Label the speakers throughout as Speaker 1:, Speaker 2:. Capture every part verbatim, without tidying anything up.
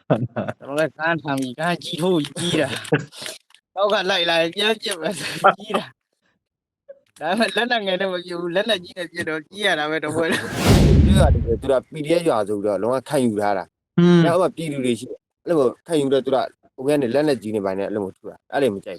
Speaker 1: ကျွန်တော်လည်းကန်းထမ်းပြီးကန်းကြီးထိုးကြီးတာတော့ကလိုက်လာပြန်ပြစ်ပဲကြီးတာဒါပေမဲ့လက်နဲ့ငယ်တော့မပြဘူးလက်နဲ့ကြီးနေပြတော့ကြီးရတာပဲတော့ဘယ်လို
Speaker 2: ရတယ်သူက ပီ ဒီ အက်ဖ် ရွာဆိုပြီးတော့လုံးဝခံယူထားတာ။နောက်မှပြည်သူတွေရှိတယ်။အဲ့လိုခံယူတော့သူကဟိုကနေလက်နဲ့ကြီးနေပိုင်းနဲ့အဲ့လိုမျိုးထူတာ။အဲ့လိုမကြိုက်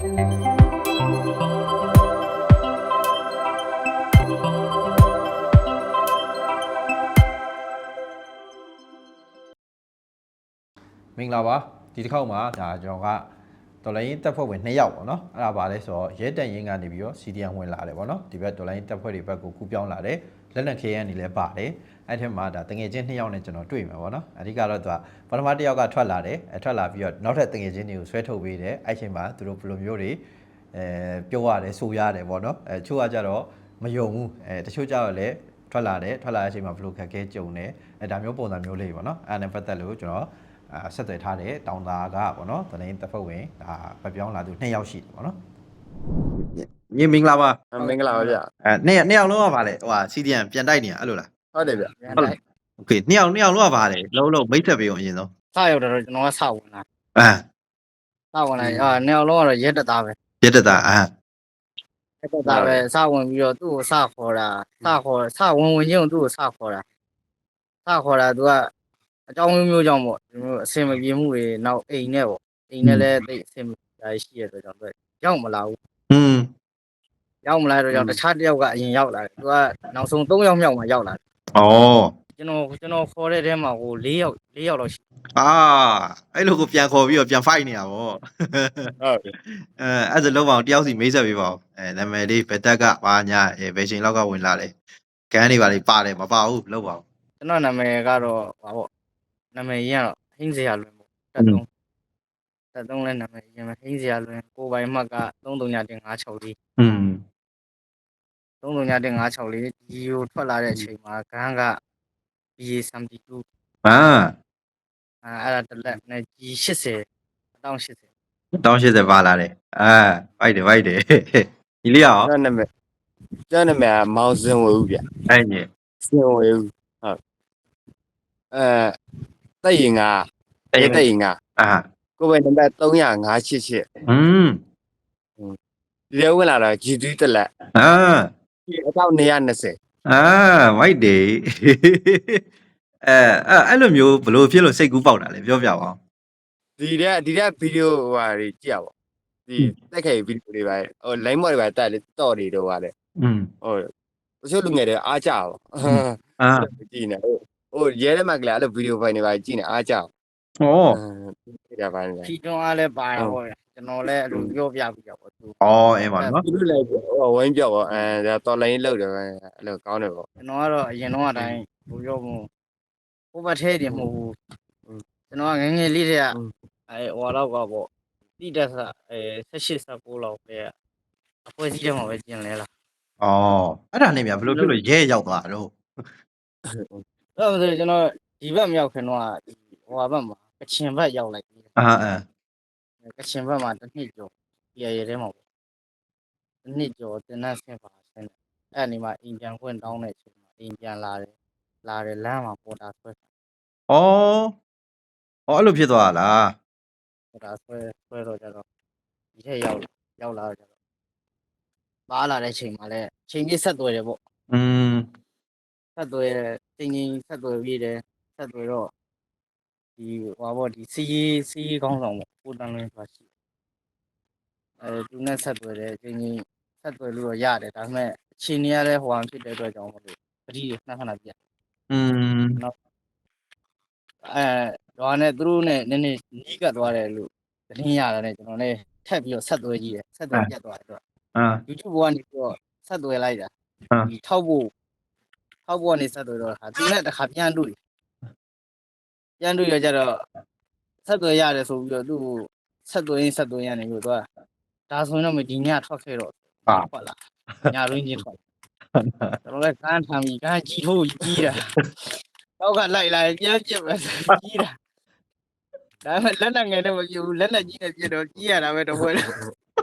Speaker 3: မင်္ဂလာပါဒီတစ်ခေါက်မှာဒါကျွန်တော်ကဒေါ်လာရင်းတက်ဖွဲ့ဝင်နှစ်ယောက်ပေါ့နော်အဲ့ဒါပါလဲဆိုတော့ရဲတန်ရင်းကနေပြီးတော့ စီ ဒီ အမ် ဝင်လာတယ်ပေါ့နော်ဒီဘက်ဒေါ်လာရင်းတက်ဖွဲ့တွေဘက်ကိုကူပြောင်းလာတယ်လက်နက်ခဲရန်နေလဲပါတယ်အဲ့ထက်မှာဒါတငယ်ချင်းနှစ်ယောက်နဲ့ကျွန်တော်တွေ့မှာပေါ့နော်အဓိကတော့သူကပထမတစ်ယောက်ကထွက်လာတယ်အထွက်လာပြီးတော့နောက်ထပ်တငယ်ချင်းတွေကိုဆွဲထုတ်ပေးတယ်အဲ့ချိန်မှာသူတို့ဘယ်လိုမျိုးတွေအဲပြောရတယ်ဆိုရတယ်ပေါ့နော်အဲချို့ကကြတော့မယုံဘူးအဲတချို့ကြတော့လည်းထွက်လာတယ်ထွက်လာတဲ့အချိန်မှာဘယ်လိုခက်ခဲကြုံတယ်အဲဒါမျိုးပုံစံမျိုးလေးပေါ့နော်အဲ့ဒါနဲ့ပတ်သက်လို့ကျွန်တော်အဲဆက်သွယ်ထားတဲ့တောင်သားကပေါ့နော်တရင်တက်ဖွဲ့ဝင်ဒါပပြောင်းလာသူနှစ်ယောက်ရှိတယ်ပေါ့နော်ညီမင်္ဂလာပါ
Speaker 2: မင်္ဂလာပါဗျ။
Speaker 3: အဲနှစ်နှစ်ယောက်လုံးကပါလေဟိုဟာ စီ ဒီ အမ် ပြန်တိုက်နေတာအဲ့လိုလား
Speaker 2: ဟုတ်တယ်ဗျ
Speaker 1: ပြန်လိုက်
Speaker 3: โอเคနှစ်ယောက်နှစ်ယောက်လုံးကပါလေလုံးလုံးမိတ်ဆက်ပေးအောင်အရင်ဆုံး
Speaker 1: စရောက်တော့ကျွန်တော်ကစဝင်လာ
Speaker 3: အာ
Speaker 1: စဝင်လာအာနေအောင်လုံးကတော့ရက်တက်သားပဲ
Speaker 3: ပြတ်တတာအာ
Speaker 1: ရက်တက်သားပဲစဝင်ပြီးတော့သူ့ကိုစခေါ်တာစခေါ်စဝင်ဝင်ချင်းသူ့ကိုစခေါ်တာစခေါ်တာသူကအကြောင်းမျိုးမျိုးကြောင့်ပေါ့ဒီမျိုးအစင်မပြေမှုတွေနောက်အိမ်နဲ့ပေါ့အိမ်နဲ့လည်းတိတ်အစင်မပြေရှိရတော့ကြောင့်ပဲရောက်မလာဘူး
Speaker 3: อืม
Speaker 1: ရောက်မလာတော့ကြောင့်တခြားတစ်ယောက်ကအရင်ရောက်လာတယ်သူကနောက်ဆုံး၃ယောက်မြောက်မှရောက်လာတယ်
Speaker 3: ဩ
Speaker 1: ကျွန်တော်ကျွန်တော်ခေါ်တဲ့ထဲမှာဟို၄ယောက်၄ယောက်လောက်ရှိ
Speaker 3: အာအဲ့လိုကိုပြန်ခေါ်ပြီးတော့ပြန် fight နေရပါဘော
Speaker 2: ဟုတ်ပြီ
Speaker 3: အဲအဲ့ဒါလုံးအောင်တယောက်စီမိတ်ဆက်ပေးပါဦးအဲနာမည်လေးဘယ်တက်ကဘာညာအဲဘယ်ချိန်လောက်ကဝင်လာလဲကန်းတွေပါလေပါတယ်မပါဘူးလောက်ပါဦး
Speaker 1: ကျွန်တော်နာမည်ကတော့ဟာပေါ့နာမည်ရင်းကတော့ဟင်းစရာလွင်ပေါ့တက်သုံးတက်သုံးလဲနာမည်ရင်းပဲဟင်းစရာလွင်ကိုပိုင်မှတ်က၃၃ညတင်၅၆လေး
Speaker 3: อืม
Speaker 1: ၃၃ညတင်၅၆လေးဒီကိုထွက်လာတဲ့အချိန်မှာဂန်းက ဘီ အေ ဆမ်တီတူ
Speaker 3: အာ
Speaker 1: အဲအဲ့ဒါတစ်လက်နဲ့ ဂျီ ၈၀ အတောင်၈၀
Speaker 3: တောင်း80ပါလာတယ်အာ fight တယ် fight တယ်ညီလေးရော
Speaker 2: ကျွန်တော်နာမည်ကျွန်တော်နာမည်ကမောင်စင်ဝေဦးဗျ
Speaker 3: အဲ့ညီ
Speaker 2: စင်ဝေဦးဟုတ်အဲတိုက်ရင်ကတိုက်ရင်က
Speaker 3: အာ
Speaker 2: ကိုယ်ပဲနံပါတ်၃၀၅၈၈
Speaker 3: อืม
Speaker 2: ဒီထဲဝင်လာတာ ဂျီ သရီတက်လက်
Speaker 3: အာ
Speaker 2: ဒီအကောင့်၂၂၀
Speaker 3: အာ fight တယ်အဲအဲ့လိုမျိုးဘလို့ဖြစ်လို့စိတ်ကူးပေါက်တာလဲပြောပြပါဦး
Speaker 2: ဒီတဲ့ဒီတဲ့ဗီဒီယိုဟိုဟာတွေကြည့်ရပါဒီတက်ခဲ့ဗီဒီယိုတွေပါဟို line မော်တွေပါတက်လေတော့တွေတော့ပါလေ
Speaker 3: อืม
Speaker 2: ဟိုတချို့လူငယ်တွေအားကြပါ
Speaker 3: အာ
Speaker 2: ကြည့်နေဟိုဟိုရဲထဲမှာကလည်းအဲ့လိုဗီဒီယိုဖိုင်တွေပါကြည့်နေအားကြ
Speaker 3: ဩ
Speaker 2: ကြည့်ရပါနေ
Speaker 1: ဖြီတွန်းအားလည်းပါတာပေါ့ကျွန်တော်လည်းအဲ့လိုပြောပြပြပေါ့သူ
Speaker 3: ဩအဲပါနော်
Speaker 2: သူတို့လည်းဟိုဝင်းပြော့ပေါ့အဲဒါတော်လိုင်းလောက်တယ်ပဲအဲ့လိုကောင်းတယ်ပေါ့
Speaker 1: ကျွန်တော်ကတော့အရင်တော့အတိုင်းဟိုပြောမှုဟိုဘက်ထဲတည်းမဟုတ်ဘူးကျွန်တော်ကငငယ်လေးတည်းကအဲဟိုတော့ကပေါ့တိတက်ဆအဲ၁၈ ၁၉လောက်ပဲအဖွဲ့စည်းထဲမှာပဲကျင်လဲလား
Speaker 3: ဩအဲ့ဒါနဲ့မြဘလို့ဖြစ်လို့ရဲရောက်သွားတော့
Speaker 1: အဲ့ဒါဆိုကျွန်တော်ဒီဘက်မရောက်ခင်တော့ဟိုဘက်မှာကချင်ဘက်ရောက်လိုက်ပြီ
Speaker 3: အာအာ
Speaker 1: ကချင်ဘက်မှာတစ်နှစ်ကျော်ပြရရဲမှာပေါ့တစ်နှစ်ကျော်တင်တဲ့ဆင်းပါဆင်းအဲ့ဒီမှာအိမ်ပြန်ခွင့်တောင်းတဲ့အချိန်မှာအိမ်ပြန်လာတယ်လာတယ်လမ်းမှာပေါ်တာဆွဲ
Speaker 3: ဩဩအဲ့လိုဖြစ်သွားလား
Speaker 1: ပေါ်တာဆွဲဆွဲတော့ကြတော့ဒီထက်ရောက်ရောက်လာတော့ကြတော့ပါလာတဲ့အချိန်မှာလည်းချိန်ကြီးဆက်သွယ်တယ်ပေါ့
Speaker 3: อืม
Speaker 1: ဆက်သွယ်ချိန်ကြီးဆက်သွယ်ပြီးတယ်ဆက်သွယ်တော့ဒီဟွာပေါ့ဒီစီစီကောင်းဆောင်ပေါ့ကိုတန်းလင်းဆိုတာရှိအဲသူနဲ့ဆက်သွယ်တယ်ချိန်ကြီးဆက်သွယ်လို့ရတယ်ဒါပေမဲ့အချိန်ကြီးရတဲ့ဟိုအောင်ဖြစ်တဲ့အတွက်ကြောင့်မလို့ပတိခဏခဏပြ
Speaker 3: อืม
Speaker 1: အဲတော့နဲ့သူတို့နဲ့နည်းနည်းနီးကပ်သွားတယ်လို့သတင်းရတာနဲ့ကျွန်တော်လည်းထပ်ပြီးတော့ဆက်သွယ်ကြည့်တယ်ဆက်သွယ်ပြတ်သွားတယ်တော့
Speaker 3: အာ
Speaker 1: YouTube ကနေပြီးတော့ဆက်သွယ်လိုက်တာဒီထောက်ဖို့ထောက်ဖို့ကနေဆက်သွယ်တော့ဟာသူနဲ့တစ်ခါပြန်တွေ့ပြန်တွေ့ရကြတော့ဆက်သွယ်ရတယ်ဆိုပြီးတော့သူ့ကိုဆက်သွယ်ရင်းဆက်သွယ်ရနေလို့သူကဒါဆိုရင်တော့မဒီညထွက်ခဲ့တော့ဟုတ်လားညရင်းချင်းထွက်ကျွန်တော်လည်းကန်းထမ်းပြီးကန်းကြီးထိုးကြီးတာတော့ကလိုက်လာပြန်ပြစ်ပဲကြီးတာဒါပေမဲ့လက်နဲ့ငယ်တော့မပြဘူးလက်နဲ့ကြီးနေပြတော့ကြီးရတာပဲတော့ဘယ်လို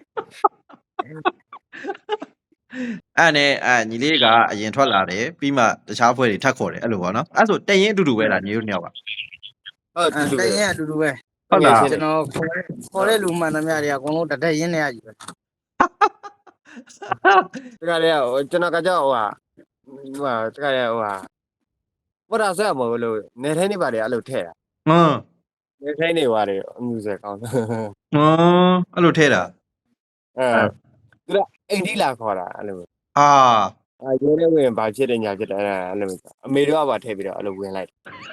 Speaker 3: အဲ့နဲ့အညီလေးကအရင်ထွက်လာတယ်ပြီးမှတခြားဖွဲ့တွေထပ်ခေါ်တယ်အဲ့လိုပေါ့နော်အဲ့ဆိုတရင်အတူတူပဲလားညီတို့နှစ်ယောက်က
Speaker 2: ဟုတ်ဟုတ်တူတူ
Speaker 1: တိုင်ရင်အတူတူပဲ
Speaker 3: ဟုတ်လား
Speaker 1: ကျွန်တော်ခေါ်တဲ့လူမှန်သမျှတွေကအကုန်လုံးတတက်ရင်းနေရကြီးပဲ
Speaker 2: တကယ်လေကျွန်တော်ကကြောက်ဟိုဟာဟိုဟာတကယ်လေဟိုဟာဘာသာဆက်မဟုတ်လို့နေထိုင်းနေပါလေအဲ့လိုထဲတာ
Speaker 3: ဟမ်
Speaker 2: နေထိုင်းနေပါလေအမှုဆက်ကောင်း
Speaker 3: ဟမ်အဲ့လိုထဲတာ
Speaker 2: အဲသူကအိမ်ဒီလာခေါ်တာအဲ့လို
Speaker 3: အာ
Speaker 2: အဲရဲနေဝင်ဘာဖြစ်တယ်ညာဖြစ်တယ်အဲ့လိုအမေတို့ကပါထည့်ပြီးတော့အဲ့လိုဝင်လိုက်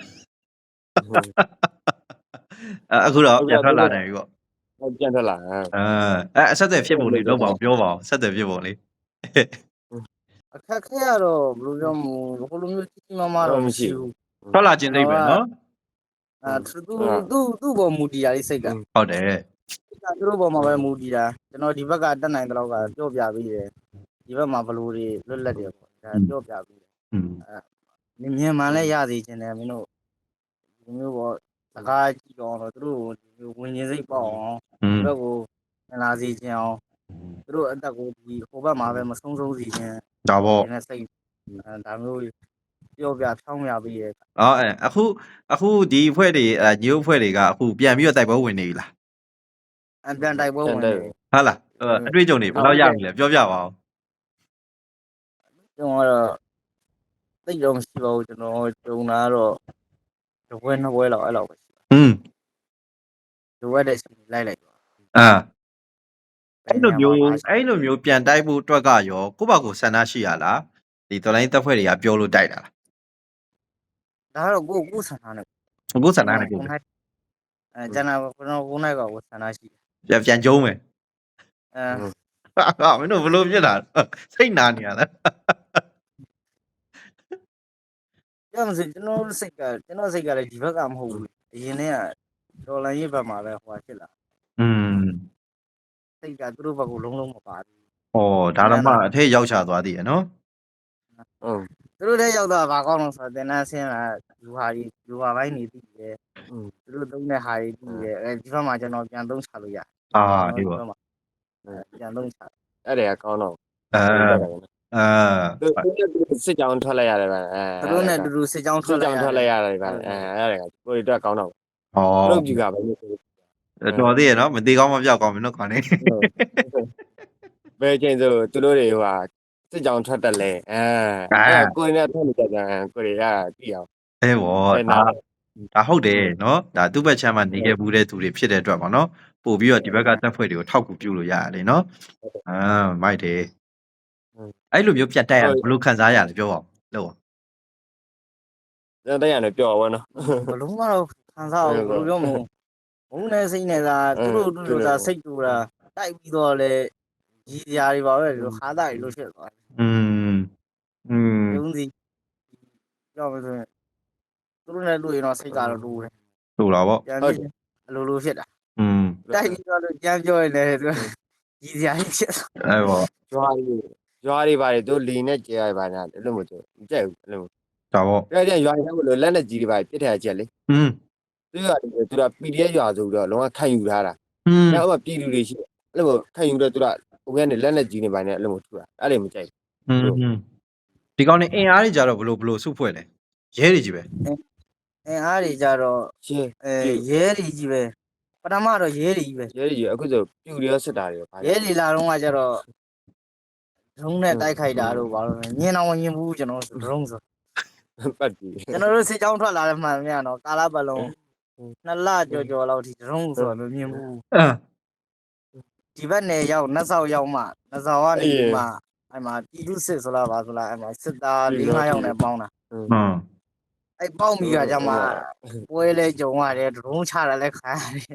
Speaker 3: အခုတော့ပြန်ထွက်လာတယ်ပြီပေါ့
Speaker 2: ဟုတ်ပြန်ထွက်လာ
Speaker 3: အဲအဲအဆက်အသွယ်ဖြစ်ပုံလေးလောက်ပါအောင်ပြောပါအောင်ဆက်သွယ်ဖြစ်ပုံလေး
Speaker 1: အခက်ခဲရတော့ဘယ်လိုပြောမလဲဘယ်လိုမျိုးကြီးကြီးမားမားတော့မရှိဘူး
Speaker 3: ထွက်လာခြင်းသိပဲနော်
Speaker 1: အဲသူသူသူ့ဘောမူတီတာလေးစိတ်က
Speaker 3: ဟုတ်တယ်
Speaker 1: သူတို့ဘောမှာပဲမူတီတာကျွန်တော်ဒီဘက်ကတက်နိုင်တဲ့လောက်ကပြောပြပြီးတယ်ဒီဘက်မှာဘလိုတွေလွတ်လပ်တယ်ပေါ့ဒါပြောပြပြီးတယ်
Speaker 3: อืม
Speaker 1: အဲမြင်မှန်လဲရသေးခြင်းတယ်မင်းတို့ဒီမျိုးပေါ့စကားကြည့်တော့တော့သူတို့ဝင်နေစိတ်ပေါ့အောင်
Speaker 3: อืม
Speaker 1: ဒီဘက်ကိုလာစီခြင်းအောင်သူတို့အတက်ကိုဒီဟိုဘက်မှာပဲမဆုံးဆုံးစီခြင်း
Speaker 3: ဒါပေါ့
Speaker 1: ဒီနဲ့စိတ်ဒါမျိုးပြောပြဖြောင်းပြပြီးရဲ့
Speaker 3: အော်အဲအခုအခုဒီအဖွဲ့တွေအဲညို့အဖွဲ့တွေကအခုပြန်ပြီးတော့တိုက်ပွဲဝင်နေပြီလား
Speaker 1: အပြန်တိုက်ပွဲဝင်နေ
Speaker 3: ဟုတ်လားအတွေ့အကြုံတွေဘယ်တော့ရပြီလဲပြောပြပါအောင်
Speaker 1: ကျွန်တော်ကတော့သိတော့မရှိပါဘူးကျွန်တော်ဂျုံလာတော့တပွဲနှစ်ပွဲလောက်အဲ့လောက်ပဲရှိပါ
Speaker 3: อืม
Speaker 1: လိုအပ်တဲ့ချိန်လိုက်လိုက်
Speaker 3: အာအဲ့လိုမျိုးအဲ့လိုမျိုးပြန်တိုက်ဖို့အတွက်ကရောကိုယ့်ဘာကိုယ်ဆန္ဒရှိရလားဒီတော်လိုင်းတပ်ဖွဲ့တွေကပြောလို့တိုက်တာလား
Speaker 1: ဒါကတော့ကိုကိုဆန္ဒနဲ့
Speaker 3: ကိုယ်ဆန္ဒနဲ့ကိုယ်
Speaker 1: အဲကျန်တာကျွန်တော်ကိုနိုင်ကကိုဆန္ဒရှိ
Speaker 3: ပြန်ပြန်ကျုံးမယ်
Speaker 1: အဲ
Speaker 3: ဟာမင်းတို့ဘလို့ဖြစ်လာစိတ်နာနေရလား
Speaker 1: ပြောမစကျွန်တော်စိတ်ကကျွန်တော်စိတ်ကလည်းဒီဘက်ကမဟုတ်ဘူးအရင်တည်းကဒေါ်လာရေးဘက်မှာပဲဟိုဖြစ်လာ
Speaker 3: อืม
Speaker 1: စိတ်ကသူတို့ဘက်ကိုလုံးလုံးမပါဘူး
Speaker 3: ဩဒါတော့မှအထက်ရောက်ချသွားသေးရနော်
Speaker 2: ဟုတ်
Speaker 1: သူတို့လည်းရောက်တော့ဘာကောင်းလို့ဆိုတော့တင်တန်းဆင်းလာလူဟာကြီးလူဟာပိုင်းနေပြီလေသူတို့သုံးတဲ့ဟာတွေပြီးတယ်အဲဒီဘက်မှာကျွန်တော်ပြန်သုံးချလို့ရ
Speaker 3: အာဒီပေါ့
Speaker 1: ပြန်သုံးချ
Speaker 2: အဲ့ဒါကကောင်းတော့
Speaker 3: အာအာ
Speaker 2: သူစစ်ကြောင်းထွက်လိုက်ရတယ်ဗျအဲ
Speaker 1: သူတို့နဲ့တူတူစစ်ကြောင်းထွ
Speaker 2: စစ်
Speaker 1: က်
Speaker 2: ကြော
Speaker 1: လိုက်
Speaker 2: င်းထွက်လိုက်ရတယ်ဗျအဲအဲ့ဒါကကိုရီတော့ကောင်းတော့
Speaker 3: ဩ
Speaker 2: လုပ်ကြည့်ကြပါလို့
Speaker 3: တော်သေးရနော်မသေးကောင်းမပြောက်ကောင်းမင်းတို့ခေါင်းနေ
Speaker 2: ဘယ်ချိန်ဆိုသူတို့တွေဟိုဟာစစ်ကြောင်းထွက်တယ်လေအဲအဲ့ကိုရီနဲ့ထွက်နေကြတယ်ကိုရီကကြည့်အောင်
Speaker 3: အဲဘောဒါဒါဟုတ်တယ်နော်ဒါသူ့ဘက်ချမ်းမှာနေခဲ့ဘူးတဲ့သူတွေဖြစ်တဲ့အတွက်ပေါ့နော်ပို့ပြီးတော့ဒီဘက်ကတပ်ဖွဲ့တွေကိုထောက်ကူပြုလို့ရတယ်နော်အာမိုက်တယ်အဲ့လိုမျိုးပြတ်တက်ရဘယ်လိုခံစားရလဲပြောပါဦးလို့
Speaker 2: တဲ့ရတယ်ပြောပါဘောနော်
Speaker 1: ဘလုံးကတော့ခံစားအောင်ဘယ်လိုပြောမလဲဘုံနဲ့စိတ်နဲ့သာသူတို့သူတို့သာစိတ်တူတာတိုက်ပြီးတော့လေကြီးစရာတွေပါပဲဒီလိုခါသားတွေလို့ဖြစ်သွားတယ်
Speaker 3: อืมอืม
Speaker 1: ရုံးစီပြောမလို့သူတို့နဲ့တွေ့ရင်တော့စိတ်ကတော့တူတယ်
Speaker 3: ถูกแล้วပေါ့
Speaker 1: ပြန်ပြီးအလိုလိုဖြစ်တာ
Speaker 3: อืม
Speaker 1: တိုက်ပြီးတော့ကြမ်းပြောရင်လည်းသူကြီးစရာကြီးဖြစ်
Speaker 3: အဲပေါ့
Speaker 2: ရွာတွေရွာတွေပါတယ်သူလီနဲ့ကြဲရပါညာအဲ့လိုမျိုးမကြိုက်ဘူးအဲ့လို
Speaker 3: ဒါပေါ့
Speaker 2: ကြဲကြရွာတွေလို့လက်နဲ့ကြီးတွေပါပြစ်ထရချက်လေ
Speaker 3: อืม
Speaker 2: သူကသူက ပီ ဒီ အက်ဖ် ရွာဆိုပြီးတော့လုံးဝခံယူထားတာ
Speaker 3: อืม
Speaker 2: အဲ့တော့ပြည်သူတွေရှိအဲ့လိုခံယူတော့သူကဟိုကနေလက်နဲ့ကြီးနေပါနဲ့အဲ့လိုမျိုးထူတာအဲ့လိုမကြိုက်
Speaker 3: อืมဒီကောင်နေအင်အားတွေကြတော့ဘလို့ဘလို့စုဖွဲ့လဲရဲတွေကြီးပဲ
Speaker 1: အင်းအားတွေကြတော့
Speaker 2: ရှင်း
Speaker 1: အဲရဲတွေကြီးပဲပထမတော့ရဲတွေကြီးပဲ
Speaker 2: ရဲကြီးအခုဆိုပြူတွေရောစစ်တာတွေရော
Speaker 1: ရဲတွေလာတော့ကကြတော့ဒရုန်းနဲ့တိုက်ခိုက်တာတို့ဘာလို့ညင်အောင်ညင်ဘူးကျွန်တော်ဒရုန်းဆို
Speaker 2: ပတ်ပြီ
Speaker 1: ကျွန်တော်တို့စစ်ကြောင်းထွက်လာတဲ့မှန်မြန်တော့ကာလာပလုံးနှစ်လကြော်ကြော်လောက်ထိဒရုန်းဆိုတော့မမြင်ဘူး
Speaker 3: အာ
Speaker 1: ဒီဘက်နယ်ရောက်နှက်ဆောက်ရောက်မှနှက်ဆောက်ကနေမှအဲ့မှာတီတုစစ်ဆိုလားပါဆိုလားအဲ့မှာစစ်သား၄၅ယောက်နဲ့ပေါင်းတာ
Speaker 3: อืม
Speaker 1: အဲ့ပေါင်းပြီးကကြမှာပွဲလဲကြုံရတယ်ဒရုန်းချတာလဲခံရတယ်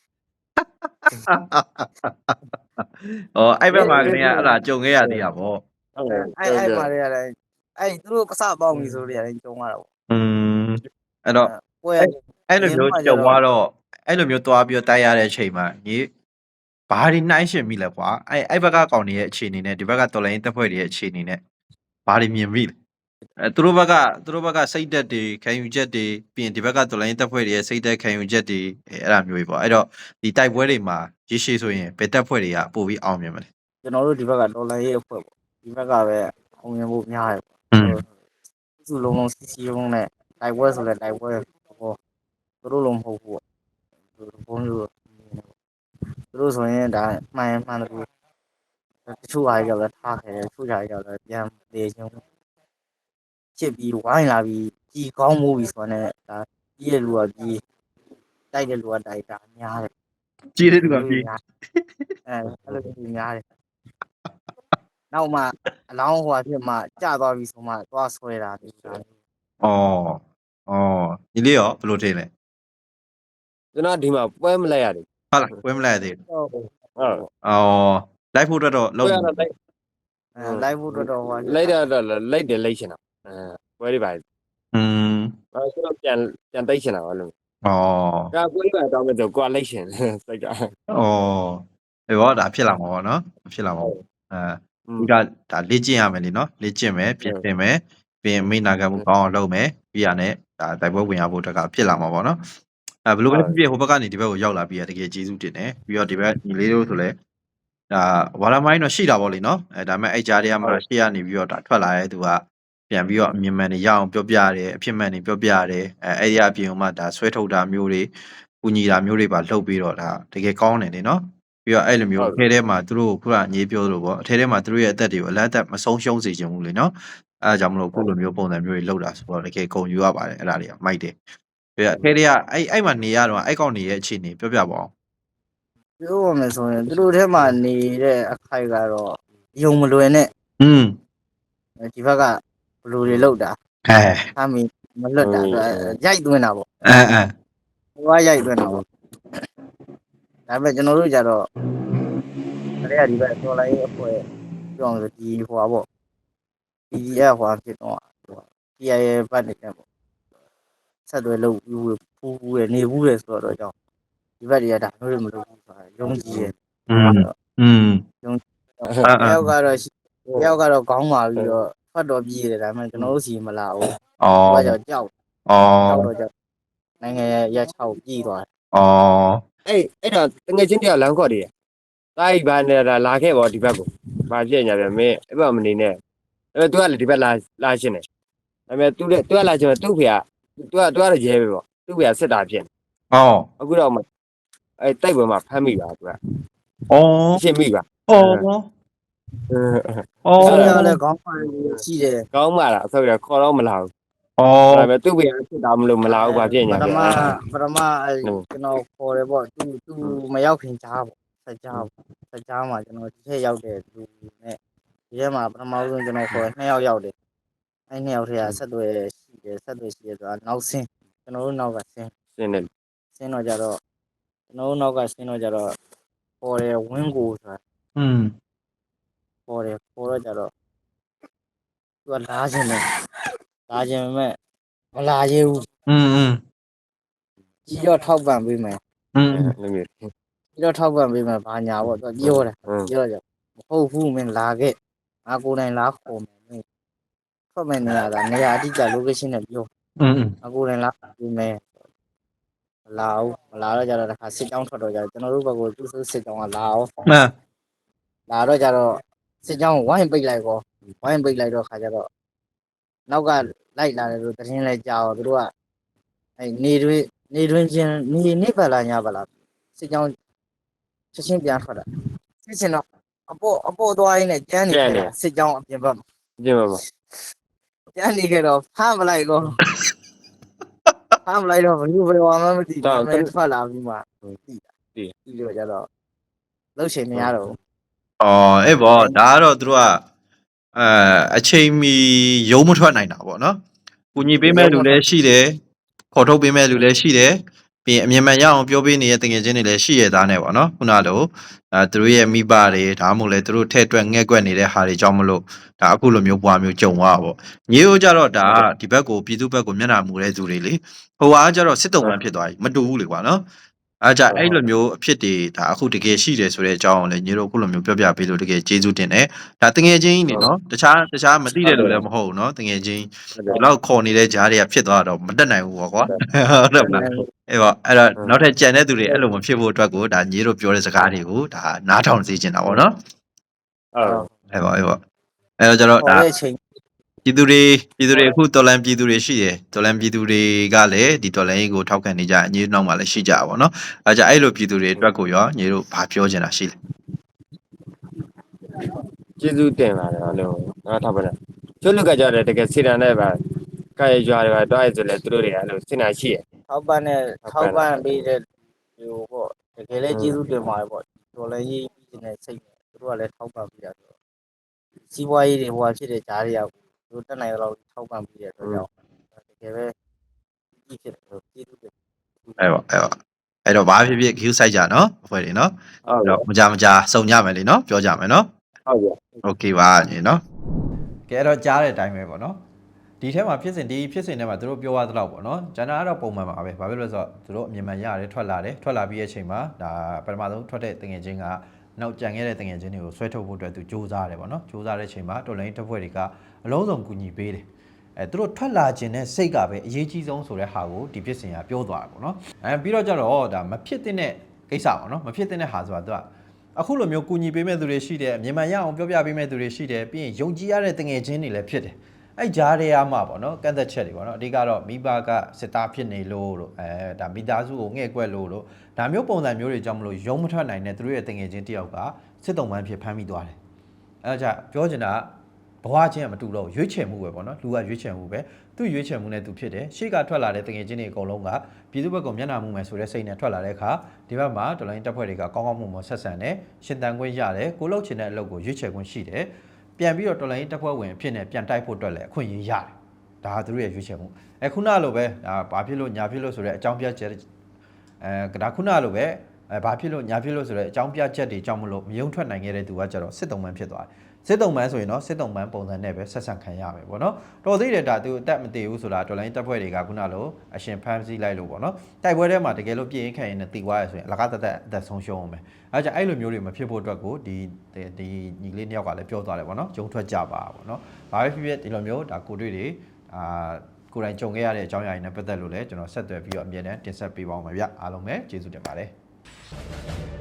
Speaker 3: အော်အဲ့ဘက်မှာကနေအဲ့ဒါကြုံခဲ့ရသေးတာပေါ့
Speaker 2: ဟုတ်တယ်
Speaker 1: အဲ့အဲ့မှာလည်းအဲ့သူတို့ပစပေါင်းပြီဆိုတော့လည်းကြုံရတာပေါ့
Speaker 3: อืมအဲ့တော့
Speaker 1: ပွဲ
Speaker 3: အဲ့လိုမျိုးကြုံသွားတော့အဲ့လိုမျိုးသွားပြီးတော့တိုက်ရတဲ့အချိန်မှာညီဘာတွေနှိုင်းရှင်မိလဲကွာအဲ့အဲ့ဘက်ကကောင်တွေရဲ့အခြေအနေနဲ့ဒီဘက်ကတော်လိုင်းတပ်ဖွဲ့တွေရဲ့အခြေအနေနဲ့ဘာတွေမြင်မိလဲအဲသူတို့ဘက်ကသူတို့ဘက်ကစိတ်သက်တွေခံယူချက်တွေပြီးရင်ဒီဘက်ကတော်လိုင်းတပ်ဖွဲ့တွေရဲ့စိတ်သက်ခံယူချက်တွေအဲအဲ့ဒါမျိုးတွေပေါ့အဲ့တော့ဒီတိုက်ပွဲတွေမှာရေရှည်ဆိုရင်ဘယ်တပ်ဖွဲ့တွေကပို့ပြီးအောင်မြင်မလဲ
Speaker 1: ကျွန်တော်တို့ဒီဘက်ကဒေါ်လာရေးအဖွဲ့ပေါ့ဒီဘက်ကပဲအောင်မြင်ဖို့များတယ်
Speaker 3: อืม
Speaker 1: စုလုံးလုံးစီစီလုံးနဲ့တိုက်ပွဲဆိုလဲတိုက်ပွဲဟောသူတို့လုံးမဟုတ်ဘူးပေါ့ဘုံမျိုးသူတို့ဆိုရင်ဒါမှန်မှန်တယ်တချို့အားကြောင့်လည်းထားခဲ့တယ်တချို့အားကြောင့်လည်းပြန်လေချင်းချစ်ပြီးဝိုင်းလာပြီးကြီးကောင်းမှုပြီးဆိုတော့ဒါကြီးတဲ့လူကကြီးတိုက်တဲ့လူကတိုက်တာများတယ်
Speaker 3: ကြီးတဲ့သူကပြေး
Speaker 1: အဲအဲ့လိုကြီးများတယ်နောက်မှအလောင်းဟိုအဖြစ်မှကြာသွားပြီဆိုမှသွားဆွဲတာဒီလို
Speaker 3: ဩဩညီလေးရောဘယ်လိုထင်လဲ
Speaker 2: ကျွန်တော်ဒီမှာပွဲမလိုက်ရတယ်
Speaker 3: ဟုတ်လားပွဲမလိုက်သေး
Speaker 1: ဟုတ်
Speaker 2: ဟုတ်
Speaker 3: ဘူးဩလိုက်ဖို့အတွက်တော့လုံး
Speaker 2: ပွဲရတော့လိုက်
Speaker 1: အဲလိုက်ဖို့တော်တော်ဟို
Speaker 2: လိုက်တော့လိုက်တယ်လိုက်ရှင်တာအဲပွဲတွေပါ
Speaker 3: อืม
Speaker 2: အဲဆိုတော့ပြန်ပြန်တိတ်ရှင်တာပါလို့
Speaker 3: ဩ
Speaker 2: ဒါပွဲတွေပါတော့မဲ့ဆိုကွာလိုက်ရှင်စိတ်က
Speaker 3: ဩဒီတော့ဒါဖြစ်လာမှာပေါ့နော်ဖြစ်လာမှာပေါ့အဲဒီကဒါလေ့ကျင့်ရမယ်လीနော်လေ့ကျင့်မယ်ပြင်ဆင်မယ်ပြင်မိနာခံမှုကောင်းအောင်လုပ်မယ်ပြီးရနဲ့ဒါတိုက်ပွဲဝင်ရဖို့အတွက်ကဖြစ်လာမှာပေါ့နော်အဲဘယ်လိုပဲဖြစ်ဖြစ်ဟိုဘက်ကနေဒီဘက်ကိုရောက်လာပြီးရတကယ်ကျေးဇူးတင်တယ်ပြီးတော့ဒီဘက်ညီလေးတို့ဆိုလဲဒါဝါရမိုင်းတော့ရှိတာပေါ့လीနော်အဲဒါပေမဲ့အဲ့ကြားတွေကမှရှေ့ကနေပြီးတော့ဒါထွက်လာတဲ့သူကပြန်ပြီးတော့အမြင်မှန်တွေရအောင်ပြောပြရတယ်အဖြစ်မှန်တွေပြောပြရတယ်အဲအဲ့ဒီအပြင်ကမှဒါဆွဲထုတ်တာမျိုးတွေကူညီတာမျိုးတွေပါလုပ်ပြီးတော့ဒါတကယ်ကောင်းတယ်လीနော်ပြီးတော့အဲ့လိုမျိုးအထဲထဲမှာသူတို့ခုနအငေးပြောလို့ပေါ့အထဲထဲမှာသူတို့ရဲ့အသက်တွေကိုအလတ်အသက်မဆုံးရှုံးစေချင်ဘူးလीနော်အဲဒါကြောင့်မလို့ခုလိုမျိုးပုံစံမျိုးတွေလုပ်တာဆိုတော့တကယ်ဂုဏ်ယူရပါတယ်အဲ့ဒါတွေကမိုက်တယ်ပြီးတော့အထဲထဲကအဲ့အဲ့မှာနေရတော့အဲ့ကောင်နေရဲ့အခြေအနေပြောပြပါအောင်
Speaker 1: ပြောရမယ်ဆိုရင်သူတို့ထဲမှာနေတဲ့အခိုက်ကတော့ယုံမလွယ်နဲ့
Speaker 3: อืม
Speaker 1: ဒီဘက်ကဘလူတွေလောက်တာ
Speaker 3: အဲ
Speaker 1: အမီမလွတ်တာရိုက်သွင်းတာပေါ့
Speaker 3: အဲအဲ
Speaker 1: ဟိုကရိုက်သွင်းတာပေါ့ဒါပေမဲ့ကျွန်တော်တို့ကြတော့တရေဒီဘက်တော်လိုင်းအဖွဲ့ပြောအောင်ဆိုဒီဟိုပါပေါ့ဒီရဲ့ဟိုဖြစ်တော့ဒီရဲ့ဘတ်နေတယ်ပေါ့ဆက်သွယ်လို့ဖူးဖူးရနေဘူးလေဆိုတော့ကြောင့်ဒီဘက်တွေကဒါမျိုးတွေမလုပ်ဘူးဆိုတာယုံကြည်ရ
Speaker 3: อืมอืม
Speaker 1: တယောက်ကတော့တယောက်ကတော့ခေါင်းမာပြီးတော့ဖတ်တော်ပြေးတယ်ဒါပေမဲ့ကျွန်တော်တို့စီမလာဘူး
Speaker 3: อ๋อ
Speaker 1: ဘာကြောင့်ကြောက်
Speaker 3: อ๋อ
Speaker 1: ကြောက်တော့ကြောက်နိုင်ငံရက်ချောက်ပြေးသွားတယ်
Speaker 3: อ๋อ
Speaker 2: အဲ့အဲ့တော့တငယ်ချင်းတယောက်လမ်းခေါ်တယ်တိုက်ပါနေတာလာခဲ့ပေါ့ဒီဘက်ကိုဘာဖြစ်ညာပြန်မင်းအဲ့ဘက်မနေနဲ့အဲ့သူကလည်းဒီဘက်လာလာရှင်းတယ်ဒါပေမဲ့သူလည်းသူကလာချင်တယ်သူ့ဖေကသူကသူကတော့ရဲပဲပေါ့သူ့ဖေကစစ်တာဖြစ်
Speaker 3: อ๋อ
Speaker 2: အခုတော့မှအဲ့တိုက်ပွဲမှာဖမ်းမိပါသူက
Speaker 3: อ๋อ
Speaker 2: ရှင်းမိပါ
Speaker 3: อ๋อ อ๋อ
Speaker 1: ဆောင်းရလည်းခေါင်းမာရှိတယ်
Speaker 2: ကောင်းပါလားအဆောက်ရခေါ်တော့မလာဘူး
Speaker 3: อ๋อ
Speaker 2: ဒါပေမဲ့သူ့ဖေကစစ်တာမလို့မလာဘူးဘာဖြစ်ညာ
Speaker 1: ပထ
Speaker 2: ပြန်
Speaker 1: မပထမအဲ့ကျွန်တော်ခေါ်တယ်ပေါ့သူသူမရောက်ခင်ကြားပေါ့ဆက်ကြားပေါ့ဆက်ကြားမှာကျွန်တော်ဒီထက်ရောက်တဲ့လူနဲ့ဒီထဲမှာပထမဆုံးကျွန်တော်ခေါ်နှစ်ယောက်ရောက်တယ်အဲ့နှစ်ယောက်ထဲကဆက်သွယ်ရှိတယ်ဆက်သွယ်ရှိတယ်ဆိုတာနောက်ဆင်းကျွန်တော်တို့နောက်ကဆင်း
Speaker 2: ရှင်းတယ်
Speaker 1: ဆင်းတော့ကြတော့ကျွန်တော်တို့နောက်ကဆင်းတော့ကြတော့ပေါ်တယ်ဝင်းကိုဆိုတာ
Speaker 3: อืม
Speaker 1: ပေါ်တယ်ပေါ်တော့ကြတော့သူကလာခြင်းတယ်လာခြင်းမဲ့မလာရဘူး
Speaker 3: อืมอืม
Speaker 1: ကြီးတော့ထောက်ပံ့ပေးမယ်
Speaker 3: อืม
Speaker 2: အဲ့လိုမျိုး
Speaker 1: ကြီးတော့ထောက်ပံ့ပေးမယ်ဘာညာပေါ့သူပြောတယ်ပြောကြမဟုတ်ဘူးမင်းလာခဲ့ငါကိုယ်တိုင်လာခေါ်မယ်မင်းထွက်မယ်နေရတာနေရာအတိအကျ location နဲ့ပြော
Speaker 3: อืม
Speaker 1: ငါကိုယ်တိုင်လာပေးမယ်မလာဘူးမလာတော့ကြတော့တစ်ခါစစ်ကြောင်းထွက်တော့ကြကျွန်တော်တို့ဘက်ကသူ့စစ်ကြောင်းကလာအောင်
Speaker 3: อ่า
Speaker 1: လာတော့ကြတော့စစ်ကြောင်းဝိုင်းပိတ်လိုက်ကောဝိုင်းပိတ်လိုက်တော့ခါကြတော့နောက်ကလိုက်လာတယ်လို့သတင်းလဲကြားတော့သူတို့ကအဲနေတွင်းနေတွင်းချင်းနေနေပါလားညပါလားစစ်ကြောင်းချက်ချင်းပြန်ထွက်တာစစ်ချင်းတော့အပေါ်အပေါ်သွားရင်းနဲ့ကျန်းနေတယ်စစ်ကြောင်းအပြင်ဘက်
Speaker 2: ကျင်းပါပါ
Speaker 1: ကျန်းနေကြတော့ဖမ်းမလိုက်ကောဖမ်းမလိုက်တော့ဘယ်လိုဘယ်လိုမှမသိဘူးမဲထွက်လာပြီးမှသိတာသိလို့ကြတော့လှုပ်ရှင်မရတော့
Speaker 3: อ๋อเอ้ยบ่ဒါကတော့သူတို့ကအဲအချိန်မီရုံးမထွက်နိုင်တာပေါ့เนาะကူညီပေးမဲ့လူလည်းရှိတယ်ခေါ်ထုတ်ပေးမဲ့လူလည်းရှိတယ်ပြီးအမြင်မှန်ရအောင်ပြောပေးနေတဲ့တကယ်ချင်းတွေလည်းရှိရသားနဲ့ပေါ့เนาะခုနလိုအဲသူတို့ရဲ့မိဘတွေဒါမှမဟုတ်လေသူတို့ထဲ့တွက်ငဲ့ကွက်နေတဲ့ဟာတွေကြောင့်မလို့ဒါအခုလိုမျိုးပွားမျိုးကြုံသွားတာပေါ့ညီတို့ကြတော့ဒါဒီဘက်ကိုပြည်သူဘက်ကိုမျက်နှာမူတဲ့သူတွေလေဟိုဟာကြတော့စစ်တုံးမှဖြစ်သွားပြီမတူဘူးလေကွာเนาะအားကြအဲ့လိုမျိုးအဖြစ်တွေဒါအခုတကယ်ရှိတယ်ဆိုတဲ့အကြောင်းကိုလည်းညီတို့အခုလိုမျိုးပြောပြပေးလို့တကယ်ကျေးဇူးတင်တယ်ဒါတကယ်ချင်းနေနော်တခြားတခြားမသိတဲ့လူလည်းမဟုတ်ဘူးနော်တကယ်ချင်းဒီလောက်ခေါ်နေတဲ့ဂျားတွေကဖြစ်သွားတော့မတက်နိုင်ဘူးပေါ့ကွာဟုတ်တယ်မလားအဲ့တော့အဲ့တော့နောက်ထပ်ကြံတဲ့သူတွေအဲ့လိုမဖြစ်ဖို့အတွက်ကိုဒါညီတို့ပြောတဲ့စကားတွေကိုဒါနားထောင်စေချင်တာပေါ့နော်
Speaker 2: ဟုတ်
Speaker 3: အဲ့ပါအဲ့ပါအဲ့တော့ကျတော့ဒါ
Speaker 1: ခေါ်တဲ့အချိန်
Speaker 3: ပြည်သူတွေပြည်သူတွေအခုတော်လန်ပြည်သူတွေရှိတယ်တော်လန်ပြည်သူတွေကလည်းဒီတော်လန်ရေးကိုထောက်ခံနေကြအညီနောက်မှာလည်းရှိကြပါဘောနော်အဲကြအဲ့လိုပြည်သူတွေအတွက်ကိုရောညီတို့ဘာပြောချင်တာရှိလဲ
Speaker 2: ကျေးဇူးတင်ပါတယ်အားလုံးငါထောက်ပါလားကျွတ်လူကကြတယ်တကယ်စီတန်နဲ့ပါကာရရွာတွေပါတွားရဆိုလဲသူတို့တွေအဲ့လိုစဉ်းစားရှိရ
Speaker 1: ထောက်ပံ့တဲ့ထောက်ပံ့ပေးတဲ့ဟိုပေါ့တကယ်လည်းကျေးဇူးတင်ပါတယ်ပေါ့တော်လည်းရေးပြီးနေတဲ့စိတ်နဲ့သူတို့ကလည်းထောက်ပံ့ပေးတာဆိုတော့စီးပွားရေးတွေဟိုဟာဖြစ်တဲ့ဂျားတွေကသူတို့တက်နိုင်တော့ထောက်ပံ့ပေးတဲ့အတွက်ကြောင့်တကယ်ပဲကြီးဖြစ်တယ်ကျေးဇူးတင်
Speaker 3: အဲ့ပါအဲ့ပါအဲ့တော့ဘာဖြစ်ဖြစ် queue စိုက်ကြနော်အဖွဲ့တွေနော်
Speaker 2: ဟုတ်ကဲ့
Speaker 3: တော့မကြမကြစုံကြမယ်လေနော်ပြောကြမယ်နော်
Speaker 2: ဟုတ်ကဲ့
Speaker 3: okay ပါညီနော်ကဲအဲ့တော့ကြားတဲ့အတိုင်းပဲပေါ့နော်ဒီထဲမှာဖြစ်စဉ်ဒီဖြစ်စဉ်ထဲမှာသူတို့ပြောရသလောက်ပေါ့နော်ဂျန်နာကတော့ပုံမှန်ပါပဲဘာဖြစ်လို့လဲဆိုတော့သူတို့အမြင်မှန်ရတယ်ထွက်လာတယ်ထွက်လာပြီးရဲ့အချိန်မှာဒါပထမဆုံးထွက်တဲ့တငယ်ချင်းကနောက်ကြံခဲ့တဲ့တငယ်ချင်းတွေကိုဆွဲထုတ်ဖို့အတွက်သူစူးစမ်းတယ်ပေါ့နော်စူးစမ်းတဲ့အချိန်မှာတော်လိုင်းတပ်ဖွဲ့တွေကအလုံးစုံကူညီပေးတယ်အဲသူတို့ထွက်လာခြင်းနဲ့စိတ်ကပဲအရေးကြီးဆုံးဆိုတဲ့ဟာကိုဒီဖြစ်စဉ်ကပြောသွားတာပေါ့နော်အဲပြီးတော့ကျတော့ဒါမဖြစ်တဲ့ကိစ္စပေါ့နော်မဖြစ်တဲ့ဟာဆိုတာသူကအခုလိုမျိုးကူညီပေးမဲ့သူတွေရှိတယ်မြန်မာရအောင်ပြောပြပေးမဲ့သူတွေရှိတယ်ပြီးရင်ယုံကြည်ရတဲ့တငယ်ချင်းတွေလည်းဖြစ်တယ်အဲ့ကြားရမှာပေါ့နော်ကန့်သက်ချက်တွေပေါ့နော်အဓိကတော့မိဘကစစ်သားဖြစ်နေလို့လို့အဲဒါမိသားစုကိုငှဲ့ကွက်လို့လို့ဒါမျိုးပုံစံမျိုးတွေကြောင့်မလို့ယုံမထွက်နိုင်တဲ့သူတို့ရဲ့တငယ်ချင်းတယောက်ကစစ်တုံးပန်းဖြစ်ဖမ်းမိသွားတယ်အဲဒါကြောင့်ပြောချင်တာဘဝချင်းကမတူတော့ရွေးချယ်မှုပဲပေါ့နော်လူကရွေးချယ်မှုပဲသူ့ရွေးချယ်မှုနဲ့သူဖြစ်တယ်ရှေ့ကထွက်လာတဲ့တငယ်ချင်းတွေအကုန်လုံးကပြည်သူ့ဘက်ကမျက်နှာမှုမယ်ဆိုတဲ့စိတ်နဲ့ထွက်လာတဲ့အခါဒီဘက်မှာတော်လိုင်းတပ်ဖွဲ့တွေကကောင်းကောင်းမွန်မွန်ဆက်ဆံတယ်ရှင်တန်ခွင့်ရတယ်ကိုလှုပ်ချင်တဲ့အလုပ်ကိုရွေးချယ်ခွင့်ရှိတယ်ပြန်ပြီးတော့တော်လိုင်းတပ်ဖွဲ့ဝင်ဖြစ်နေပြန်တိုက်ဖို့အတွက်လည်းအခွင့်အရေးရတယ်ဒါကသူတို့ရဲ့ရွေးချယ်မှုအခုနလိုပဲဒါဘာဖြစ်လို့ညာဖြစ်လို့ဆိုတဲ့အကြောင်းပြချက်အဲဒါခုနလိုပဲအဲဘာဖြစ်လို့ညာဖြစ်လို့ဆိုတဲ့အကြောင်းပြချက်တွေကြောင့်မလို့မယုံထွက်နိုင်ခဲ့တဲ့သူကကျတော့စစ်တုံးမှန်းဖြစ်သွားတယ်စစ်တုံးမှန်းဆိုရင်တော့စစ်တုံးမှန်းပုံစံနဲ့ပဲဆက်ဆံခံရမယ်ပေါ့နော်တော်သေးတယ်ဒါသူအသက်မတည်ဘူးဆိုတာတော်လိုင်းတပ်ဖွဲ့တွေကခုနလိုအရှင်ဖမ်းဆီးလိုက်လို့ပေါ့နော်တိုက်ပွဲထဲမှာတကယ်လို့ပြင်းရင်ခံရင်တည်သွားရဆိုရင်အလကားတသက်အသက်ဆုံးရှုံးအောင်ပဲအဲကြောင့်အဲ့လိုမျိုးတွေမဖြစ်ဖို့အတွက်ကိုဒီဒီညီလေးနှစ်ယောက်ကလည်းပြောသွားတယ်ပေါ့နော်ဂျုံထွက်ကြပါပေါ့နော်ဘာပဲဖြစ်ဖြစ်ဒီလိုမျိုးဒါကိုတွေ့တွေအာကိုယ်တိုင်ကြုံခဲ့ရတဲ့အကြောင်းအရာတွေနဲ့ပတ်သက်လို့လည်းကျွန်တော်ဆက်သွယ်ပြီးတော့အမြဲတမ်းတင်ဆက်ပေးပါအောင်ပါဗျအားလုံးပဲကျေးဇူးတင်ပါတယ်